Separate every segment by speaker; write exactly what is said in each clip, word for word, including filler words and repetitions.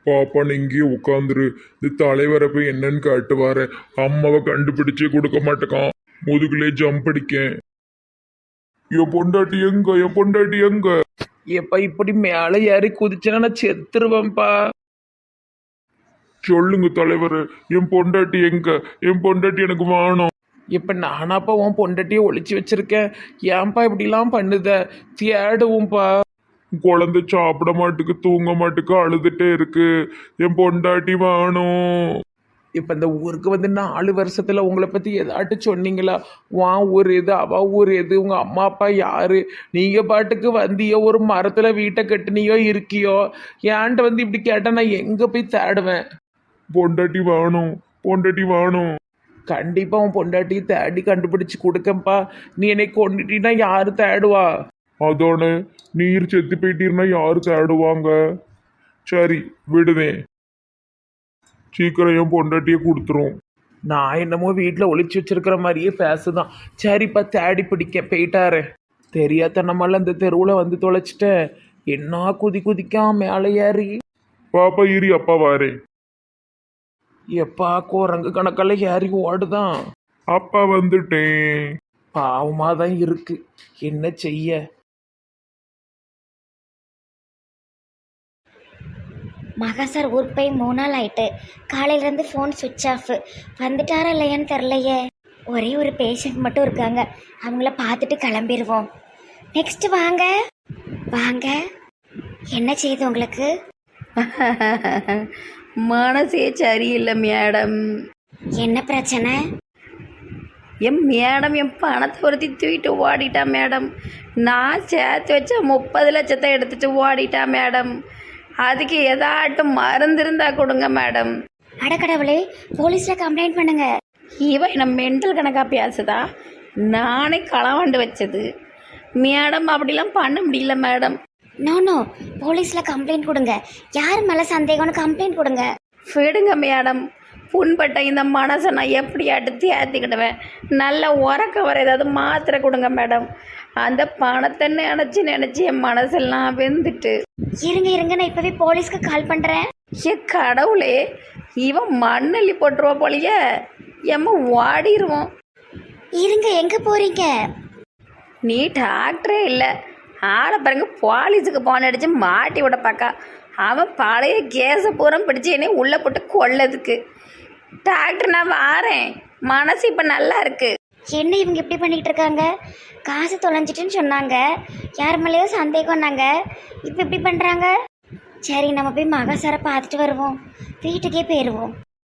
Speaker 1: பாப்பா நீ இங்கேயே உட்காந்துரு. இந்த தலைவரை போய் என்னன்னு கேட்டு வார. அம்மாவை கண்டுபிடிச்சே கொடுக்க மாட்டேக்கான். முதுகுலே ஜம்ப் அடிக்கேன். என் பொண்டாட்டி எங்க என் பொண்டாட்டி எங்க?
Speaker 2: எப்ப இப்படி மேலே ஏறி குதிச்சேன்னா நான் செத்துருவேன்ப்பா.
Speaker 1: சொல்லுங்க தலைவர், என் பொண்டாட்டி எங்க? என் பொண்டாட்டி எனக்கு வேணும்.
Speaker 2: இப்ப நானாப்பா உன் பொண்டாட்டியை ஒளிச்சு வச்சிருக்கேன். ஏன்பா இப்படிலாம் பண்ணுத? தேடுவோம்ப்பா.
Speaker 1: குழந்தை சாப்பிட மாட்டுக்கு, தூங்க மாட்டுக்கு, அழுதுட்டே இருக்கு. என் பொண்டாட்டி வேணும்.
Speaker 2: இப்ப இந்த ஊருக்கு வந்து நாலு வருஷத்துல உங்களை பத்தி ஏதாட்டும் சொன்னீங்களா? வா ஊர் எது, அவ ஊர் எது, உங்க அம்மா அப்பா யாரு? நீங்க பாட்டுக்கு வந்தியோ, ஒரு மரத்துல வீட்டை கட்டுனியோ இருக்கியோ. ஏன்ட்ட வந்து இப்படி கேட்டா நான் எங்க போய் தேடுவேன்?
Speaker 1: பொண்டாட்டி வேணும், பொண்டாட்டி வேணும்.
Speaker 2: கண்டிப்பா உன் பொண்டாட்டியை தேடி கண்டுபிடிச்சு கொடுக்கம்பா. நீ என்னை கொண்டுட்டீன்னா யாரு தேடுவா?
Speaker 1: அதோட நீர் செத்து போயிட்டீர்னா யாரு தேடுவாங்க? சரி விடுவேன். சீக்கிரம் என் பொண்டாட்டியை கொடுத்துரும்.
Speaker 2: நான் என்னமோ வீட்டில் ஒளிச்சு வச்சிருக்கிற மாதிரியே பேசுதான். சரிப்பா தேடி பிடிக்க போயிட்டாரு. தெரியாதனமால இந்த தெருவில் வந்து தொலைச்சிட்டேன். என்ன குதி குதிக்காம மேலே ஏறி.
Speaker 1: பாப்பா இரி, அப்பா வாரேன்.
Speaker 2: எப்பா குரங்கு கணக்கில் ஏறி ஓடுதான்.
Speaker 1: அப்பா வந்துட்டேன்.
Speaker 2: பாவமாக தான் இருக்கு, என்ன செய்ய?
Speaker 3: மகா சார் ஊருக்கு போய் மூணு நாள் ஆயிட்டு. காலையிலேருந்து ஃபோன் சுவிட்ச் ஆஃப். வந்துட்டாரா இல்லையான்னு தெரிலையே. ஒரே ஒரு பேஷண்ட் மட்டும் இருக்காங்க, அவங்கள பார்த்துட்டு கிளம்பிடுவோம். நெக்ஸ்ட் வாங்க வாங்க. என்ன செய்யுது உங்களுக்கு?
Speaker 4: மனசே சரியில்லை மேடம்.
Speaker 3: என்ன பிரச்சனை?
Speaker 4: என் மேடம் என் பணத்தை ஒருத்தி தூக்கிட்டு ஓடிட்டா மேடம். நான் சேர்த்து வச்ச முப்பது லட்சத்தை எடுத்துட்டு ஓடிட்டா மேடம். அதுக்கு ஏதாட்டும் மருந்து இருந்தா கொடுங்க மேடம்.
Speaker 3: அடக்கடவுளே, போலீஸ்ல கம்ப்ளைண்ட் பண்ணுங்க.
Speaker 4: இவ என்ன மென்டல் கணக்கா பேசுதா? நானே களவாண்டு வச்சது மேடம். அப்படிலாம் பண்ண முடியல மேடம்.
Speaker 3: நோ நோ, போலீஸ்ல கம்ப்ளைண்ட் கொடுங்க. யார் மேல சந்தேகம்னு கம்ப்ளைண்ட் கொடுங்க.
Speaker 4: விடுங்க மேடம். புண்பட்ட இந்த மனசை நான் எப்படியாட்டு தேத்திக்கிடுவேன். நல்ல உறக்க வர ஏதாவது மாத்திரை கொடுங்க மேடம். அந்த பணத்தை நினச்சி நினச்சி என் மனசெல்லாம் வெந்துட்டு.
Speaker 3: இருங்க இருங்க, நான் இப்பவே போலீஸ்க்கு கால் பண்றேன்.
Speaker 4: ஏ கடவுளே, இவன் மண்ணள்ளி போட்டுருவா போலியே. எம்ம ஓடிடுவோம்.
Speaker 3: இருங்க, எங்க போறீங்க?
Speaker 4: நீ டாக்டரே இல்லை, ஆளை பாருங்க. போலீஸுக்கு போன் அடிச்சு மாட்டி விட பார்க்கா. அவன் பழைய கேஸை பூரம் பிடிச்சி என்னை உள்ளே போட்டு கொள்ளதுக்கு. டாக்டர் நான் வாரேன், மனசு இப்போ நல்லா இருக்கு.
Speaker 3: என்ன இவங்க இப்படி பண்ணிட்டு இருக்காங்க? காசு தொலைஞ்சிட்டுன்னு சொன்னாங்க, யார் மேலேயோ சந்தேகம்னாங்க, இப்போ இப்படி பண்ணுறாங்க. சரி, நம்ம போய் மகா சாரை பார்த்துட்டு வருவோம், வீட்டுக்கே போயிடுவோம்.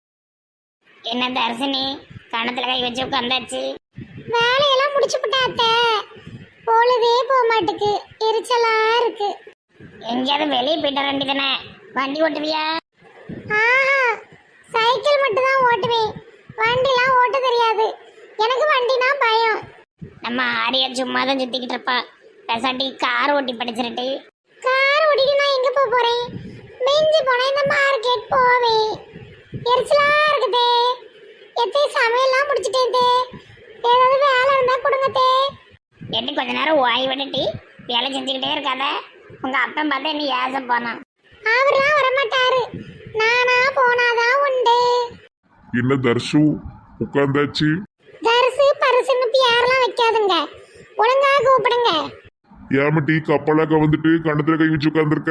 Speaker 5: என்ன தர்சினி, கணத்துல கை வச்சு உட்காந்தாச்சு?
Speaker 3: வேலையெல்லாம் முடிச்சு விட்டாத்த, பொழுதே போக மாட்டுக்கு, எரிச்சலா இருக்கு.
Speaker 5: எங்கேயாவது வெளியே போயிட்டு வர வேண்டியதானே? வண்டி ஓட்டுவியா?
Speaker 3: ஆஹா, சைக்கிள் மட்டும் தான் ஓட்டுவேன், வண்டிலாம் ஓட்ட தெரியாது. எனக்கு வண்டினா பயம்.
Speaker 5: நம்ம ஆரியா சும்மா தான் சுத்திக்கிட்டு இருப்பா. பெசாட்டி கார் ஓட்டி படிச்சிருட்டு.
Speaker 3: கார் ஓட்டிட்டு நான் எங்க போக போறேன்? மிஞ்சி போனா இந்த மார்க்கெட் போவேன். எரிச்சலா இருக்குதே. எத்தே சமையல்லாம் முடிச்சிட்டேன் தே. ஏதாவது வேலை இருந்தா கொடுங்க தே.
Speaker 5: எட்டு கொஞ்ச நேரம் ஓய்வு விட்டுட்டு வேலை செஞ்சுக்கிட்டே இருக்காத. உங்க அப்பன் பார்த்தா என்ன ஏச போனான்.
Speaker 3: அவர்லாம் வரமாட்டாரு, நானா போனாதான் உண்டு.
Speaker 1: என்ன தர்ஷு உட்காந்தாச்சு?
Speaker 3: தரிசு பரிசுன்னு பேர்லாம் வைக்காதுங்க, ஒழுங்கா கூப்பிடுங்க.
Speaker 1: ஏமட்டி கப்பலாக்க வந்துட்டு கணத்துல கை வச்சு உட்காந்துருக்க?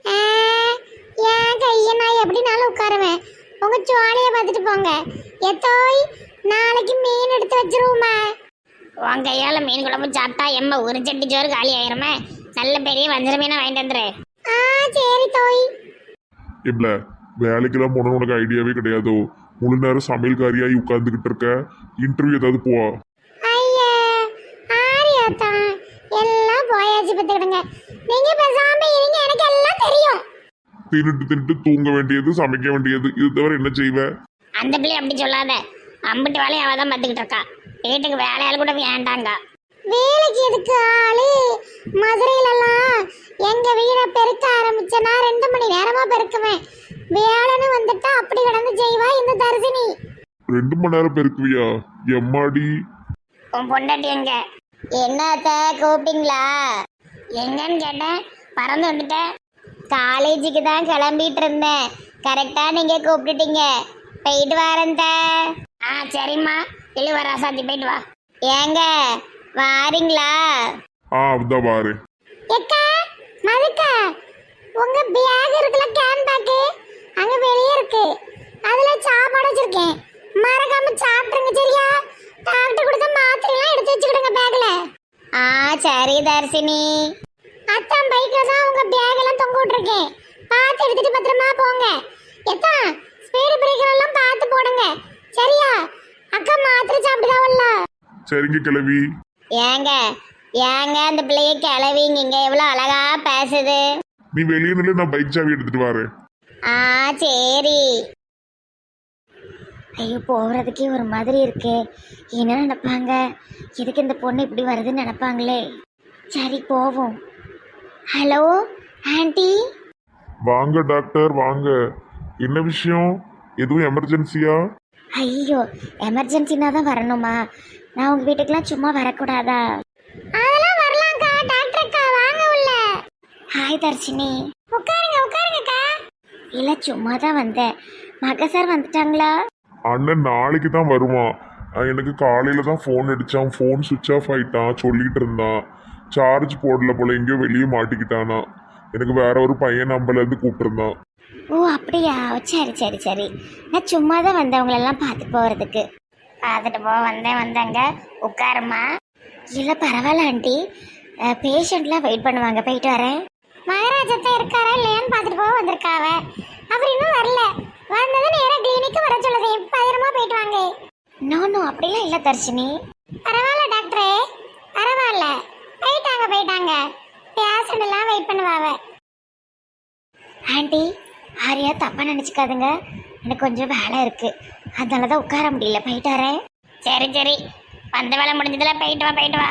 Speaker 3: ஏன் கையை நான் எப்படினாலும் உட்காருவேன். உங்க ஜோலியை பார்த்துட்டு போங்க. எத்தோய், நாளைக்கு மீன் எடுத்து வச்சிருவோமா?
Speaker 5: உன் கையால மீன் குழம்பு சாப்பிட்டா எம்ம ஒரு சட்டி சோறு காலி ஆயிருமே. நல்ல பெரிய வஞ்சர மீனை வாங்கிட்டு வந்துரு.
Speaker 3: ஆ சரி தோய்.
Speaker 1: இல்ல வேலைக்கெல்லாம் போன உனக்கு ஐடியாவே கிடையாதோ? முழு நேரம் சமையல்காரியாகி உட்காந்துக்கிட்டு இருக்க. இன்டர்வியூ ஏதாவது போ.
Speaker 3: ஐயா ஆரியாத்தா, எல்லாம் போயாச்சு பார்த்துக்கிடுங்க. நீங்க பேசாம இருங்க, எனக்கு எல்லாம் தெரியும்.
Speaker 1: தின்னுட்டு தின்னுட்டு தூங்க வேண்டியது, சமைக்க வேண்டியது, இது தவிர என்ன செய்வ?
Speaker 5: அந்த பிள்ளை அப்படி சொல்லாத. அம்பிட்டு வேலையை அவ தான் பார்த்துக்கிட்டு இருக்கா. வீட்டுக்கு வேலையால் கூட வேண்டாங்க.
Speaker 3: வேலைக்கு எதுக்கு ஆளு? மதுரையிலலாம் எங்க வீடை பெருக்க ஆரம்பிச்சனா ரெண்டு மணி நேரமா பெருக்குவேன். வேலைன்னு வந்துட்டா அப்படி கிடந்து செய்வா இந்த தர்சினி.
Speaker 1: ரெண்டு மணி நேரம் பெருக்குவியா? எம்மாடி.
Speaker 5: உன் பொண்டாட்டி எங்க?
Speaker 3: என்னத்த கூப்பிட்டீங்களா?
Speaker 5: எங்கன்னு கேட்டேன், பறந்து வந்துட்டேன். காலேஜுக்கு தான் கிளம்பிட்டு இருந்தேன். கரெக்டா நீங்க கூப்பிட்டுட்டீங்க. போயிட்டு வரேன் தே. ஆ சரிம்மா, இழுவ ராசாத்தி போயிட்டு வா. ஏங்க வாரீங்களா?
Speaker 1: ஆ அதான் பாரு.
Speaker 5: எக்கா மதுக்கா, உங்க பேக் இருக்குல்ல, கேன் பேக் அங்க வெளியே இருக்கு. அதுல சாப்பாடு வச்சிருக்கேன், மறக்காம சாப்பிட்டுருங்க சரியா? டாக்டர் கொடுத்த மாத்திரை எல்லாம் எடுத்து வச்சுக்கிடுங்க பேக்ல. ஆ சரி தர்சினி. அத்தான் பைக்ல தான் உங்க பேக் எல்லாம் தொங்க விட்டுருக்கேன், பார்த்து எடுத்துட்டு பத்திரமா போங்க. எத்தா ஸ்பீடு பிரேக்கர் எல்லாம் பார்த்து போடுங்க சரியா? அக்கா மாத்திரை சாப்பிடுதாவல்ல?
Speaker 1: சரிங்க கிளவி.
Speaker 5: ஏங்க ஏங்க அந்த பிள்ளைய கிளவிங்க இங்க எவ்வளவு அழகா பேசுது.
Speaker 1: நீ வெளியே நில்லு, நான் பைக் சாவி எடுத்துட்டு வரேன்.
Speaker 5: ஆ சரி. ஐயோ போகிறதுக்கே ஒரு மாதிரி இருக்கே. என்ன நினைப்பாங்க? எதுக்கு இந்த பொண்ணு இப்படி வருதுன்னு நினைப்பாங்களே. சரி போவோம். Hello aunty.
Speaker 1: வாங்க டாக்டர் வாங்க. என்ன விஷயம்? எதுவும் எமர்ஜென்சியா?
Speaker 3: ஐயோ எமர்ஜென்சினா தான் வரணுமா? நான் உங்கள் வீட்டுக்கெலாம் சும்மா வரக்கூடாதா?
Speaker 5: அதெல்லாம் வரலாம்க்கா. டாக்டர் அக்கா வாங்க உள்ள.
Speaker 3: ஹாய் தர்ஷினி.
Speaker 5: உட்காருங்க உட்காருங்கக்கா.
Speaker 3: இல்லை சும்மா தான் வந்தேன். மக சார் வந்துட்டாங்களா?
Speaker 1: அண்ணன் நாளைக்கு தான் வருவான். அஹ் எனக்கு காலையில தான் ஃபோன் அடிச்சான். ஃபோன் சுவிட்ச் ஆஃப் ஆயிட்டான் சொல்லிட்டு இருந்தான். சார்ஜ் போடல போல, எங்கேயோ வெளியே மாட்டிக்கிட்டானா. எனக்கு வேற ஒரு பையன் நம்பர்ல இருந்து கூப்பிட்டுருந்தான்.
Speaker 3: ஓ அப்படியா? சரி சரி சரி. நான் சும்மா தான் வந்தேன் உங்களெல்லாம் பார்த்து போகிறதுக்கு.
Speaker 5: பார்த்துட்டு போ. வந்தேன் வந்தாங்க. உட்காருமா.
Speaker 3: இல்லை பரவாயில்ல ஆண்டி, பேஷண்ட்லாம் வெயிட் பண்ணுவாங்க. போயிட்டு வரேன்.
Speaker 5: மகாராஜத்தை இருக்காரா இல்லையான்னு பார்த்துட்டு போக வந்திருக்காவ. அவர் இன்னும் வரல. வந்தது நேராக கிளினிக்கு வர சொல்லுது. பத்திரமா போயிட்டு வாங்க.
Speaker 3: நோ நோ அப்படிலாம் இல்லை தர்ஷினி.
Speaker 5: பரவாயில்ல டாக்டரே, பரவாயில்ல. போயிட்டாங்க போயிட்டாங்க. பேஷண்ட் எல்லாம் வெயிட் பண்ணுவாவ.
Speaker 3: ஆண்டி ஆரியா தப்பாக நினச்சிக்காதுங்க, எனக்கு கொஞ்சம் வேலை இருக்குது, அதனால தான் உட்கார முடியல. போயிட்டு வரேன்.
Speaker 5: சரி சரி, வந்த வேலை முடிஞ்சதுல போயிட்டு வா போயிட்டு வா.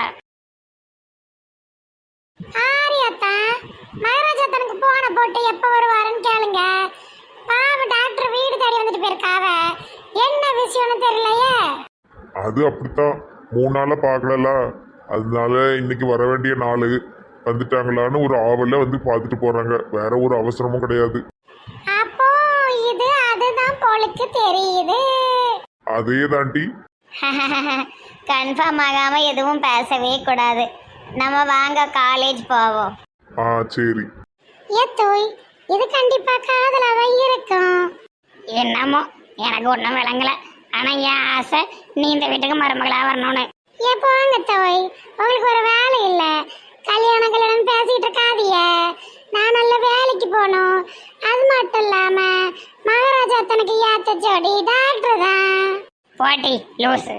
Speaker 5: ஆரியாத்தா, மகாராஜா தனக்கு போன போட்டு எப்போ வருவாருன்னு கேளுங்க. பாவம் டாக்டர் வீடு தேடி வந்துட்டு போயிருக்காவ. என்ன விஷயம்னு தெரியலையே.
Speaker 1: அது அப்படித்தான், மூணு நாளா பார்க்கல, அதனால இன்னைக்கு வர வேண்டிய நாள் வந்துட்டாங்களான்னு ஒரு ஆவல்ல வந்து பார்த்துட்டு போறாங்க. வேற ஒரு அவசரமும் கிடையாது.
Speaker 5: அப்போ இது அதுதான் போலுக்கு தெரியுது.
Speaker 1: அதே தாண்டி.
Speaker 5: கன்ஃபார்ம் ஆகாம எதுவும் பேசவே கூடாது. நம்ம வாங்க காலேஜ் போவோம்.
Speaker 1: ஆ சரி.
Speaker 5: ஏத்தோய், இது கண்டிப்பா காதலாக இருக்கும். என்னமோ எனக்கு ஒன்றும் விளங்கல. ஆனா என் ஆசை நீ இந்த வீட்டுக்கு மருமகளா வரணும்னு. ஏ போங்க தோய், உங்களுக்கு ஒரு வேலை இல்ல. கல்யாணம் கல்யாணம் பேசிட்டு இருக்காதிய. நான் நல்ல வேலைக்கு போகணும். அது மட்டும் இல்லாம மகாராஜா தனக்கு ஏத்த ஜோடி டாக்டர் தான். போட்டி லூசு.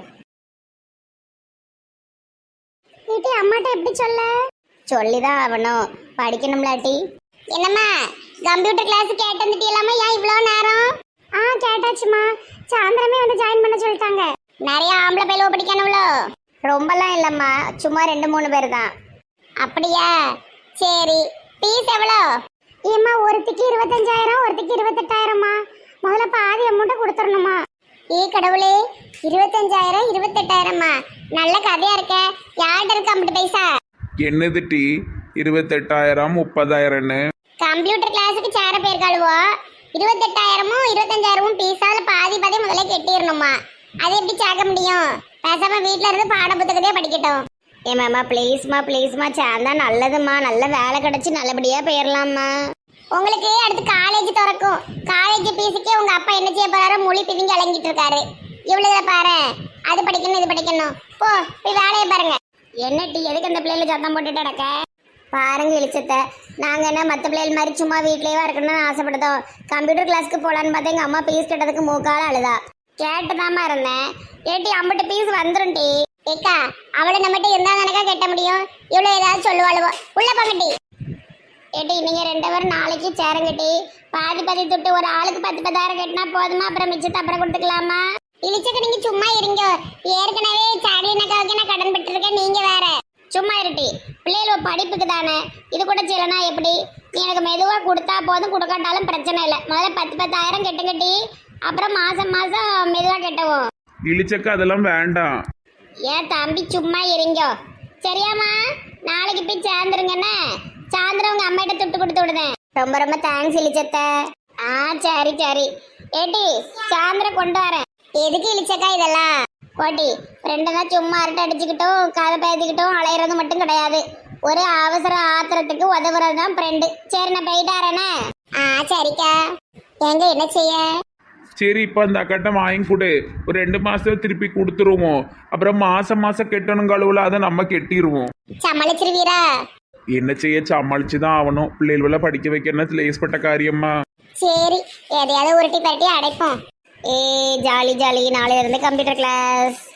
Speaker 5: வீட்டு அம்மாட்ட எப்படி சொல்ல? சொல்லிதான் ஆகணும், படிக்கணும்லாட்டி. என்னம்மா கம்ப்யூட்டர் கிளாஸ் கேட்டு வந்துட்டீங்களாமா? ஏன் இவ்வளோ நேரம்? ஆ கேட்டாச்சுமா, சாயந்தரமே வந்து ஜாயின் பண்ண சொல்லிட்டாங்க. நிறைய ஆம்பளை பயிலோ படிக்கணும்லோ? ரொம்பலாம் இல்லைம்மா, சும்மா ரெண்டு மூணு பேர் தான். அப்படியா? சரி, ஃபீஸ் எவ்வளோ? ஏம்மா ஒருத்திக்கு இருபத்தஞ்சாயிரம், ஒருத்திக்கு இருபத்தெட்டாயிரம்மா. முதல்ல பாதி அமௌண்ட்டை கொடுத்துடணுமா? ஏ கடவுளே, இருபத்தஞ்சாயிரம் இருபத்தெட்டாயிரம்மா, நல்ல கதையா இருக்க. யார்கிட்ட இருக்கு ஐம்பது பைசா?
Speaker 2: என்னது டீ இருபத்தெட்டாயிரம் முப்பதாயிரம்னு?
Speaker 5: கம்ப்யூட்டர் கிளாஸுக்கு சேர போயிருக்காளுவோ. இருபத்தெட்டாயிரமும் இருபத்தஞ்சாயிரமும் பீஸால பாதி பாதி முதல்ல கெட்டிடணுமா? அது எப்படி சேர்க்க முடியும்? பேசாம வீட்டுல இருந்து பாட புத்தகத்தையே படிக்கட்டும். ஏமாம்மா ப்ளீஸ்மா ப்ளீஸ்மா, சேர்ந்தா நல்லதும்மா. நல்ல வேலை கிடைச்சி நல்லபடியா போயிடலாம்மா. உங்களுக்கு அடுத்து காலேஜ் திறக்கும். காலேஜ் பீஸுக்கே உங்க அப்பா என்ன செய்ய போறாரோ மொழி பிதிங்க இறங்கிட்டு இருக்காரு. இவ்வளவு பாரு, அது படிக்கணும் இது படிக்கணும். போ போய் வேலையை பாருங்க. என்ன டீ எதுக்கு அந்த பிள்ளைல சத்தம் போட்டுட்டு நடக்க? பாருங்க இழிச்சத்தை, நாங்கள் என்ன மற்ற பிள்ளைகள் மாதிரி சும்மா வீட்லேயே இருக்கணும்னு ஆசைப்படுதோம். கம்ப்யூட்டர் கிளாஸ்க்கு போகலான்னு பார்த்தா எங்கள் அம்மா பீஸ் கேட்டதுக்கு மூக்கால அழுதா. கேட்டுதாம்மா இருந்தேன். ஏட்டி அம்பிட்டு பீஸ் வந்துடும் டி. ஏக்கா அவளை நம்மகிட்ட இருந்தால் தானக்கா கட்ட முடியும். இவ்வளோ ஏதாவது சொல்லுவாளுவோ. உள்ள பங்கட்டி. ஏட்டி நீங்கள் ரெண்டு பேரும் நாளைக்கு சேருங்கட்டி. பாதி பாதி துட்டு ஒரு ஆளுக்கு பத்து பத்தாயிரம் கட்டினா போதுமா? அப்புறம் மிச்சத்தை அப்புறம் கொடுத்துக்கலாமா? இழிச்சக்க நீங்கள் சும்மா இருங்க. ஏற்கனவே சாக்லினக்காவுக்கு நான் கடன் பெற்றிருக்கேன், நீங்கள் வேற. சும்மா இருட்டி. பிள்ளைகளோட படிப்புக்கு தானே, இது கூட செய்யலனா எப்படி? நீ எனக்கு மெதுவாக கொடுத்தா போதும், கொடுக்காட்டாலும் பிரச்சனை இல்லை. முதல்ல பத்து பத்தாயிரம் கெட்டு கட்டி அப்புறம் மாதம் மாதம் மெதுவாக கெட்டவும்.
Speaker 2: இழிச்சக்க அதெல்லாம் வேண்டாம்.
Speaker 5: ஏன் தம்பி சும்மா இருங்க சரியாம்மா? நாளைக்கு போய் சேர்ந்துருங்கண்ணே. சாயந்தரம் உங்கள் அம்மாயிட்ட துட்டு கொடுத்து விடுதேன். ரொம்ப ரொம்ப தேங்க்ஸ் இளிச்சத்த. ஆ சரி சரி. ஏட்டி சாயந்தர கொண்டு வரேன். எதுக்கு இளிச்சக்கா இதெல்லாம்? கோட்டி ஃப்ரெண்டு தான் சும்மா அரட்டை அடிச்சுக்கிட்டும் கதை பேசிக்கிட்டும் அலையிறது மட்டும் கிடையாது. ஒரு அவசர ஆத்திரத்துக்கு உதவுறது தான் ஃப்ரெண்டு. சரி நான் போயிட்டாரேண்ணே. ஆ சரிக்கா. எங்க என்ன செய்ய?
Speaker 2: சரி இப்போ அந்த அக்கட்டை வாங்கி கொடு. ஒரு ரெண்டு மாசத்துல திருப்பி கொடுத்துருவோம். அப்புறம் மாசம் மாசம் கெட்டணும் கழுவுல அதை நம்ம கெட்டிடுவோம்.
Speaker 5: சமாளிச்சிருவீரா?
Speaker 2: என்ன செய்ய, சமாளிச்சு தான் ஆகணும். பிள்ளைகள படிக்க வைக்கிறதுல லேஸ்பட்ட காரியமா?
Speaker 5: சரி எதையாவது உருட்டி பரட்டி அடைப்போம். ஏ ஜாலி ஜாலி. நாளையில இருந்து கம்ப்யூட்டர் கிளாஸ்.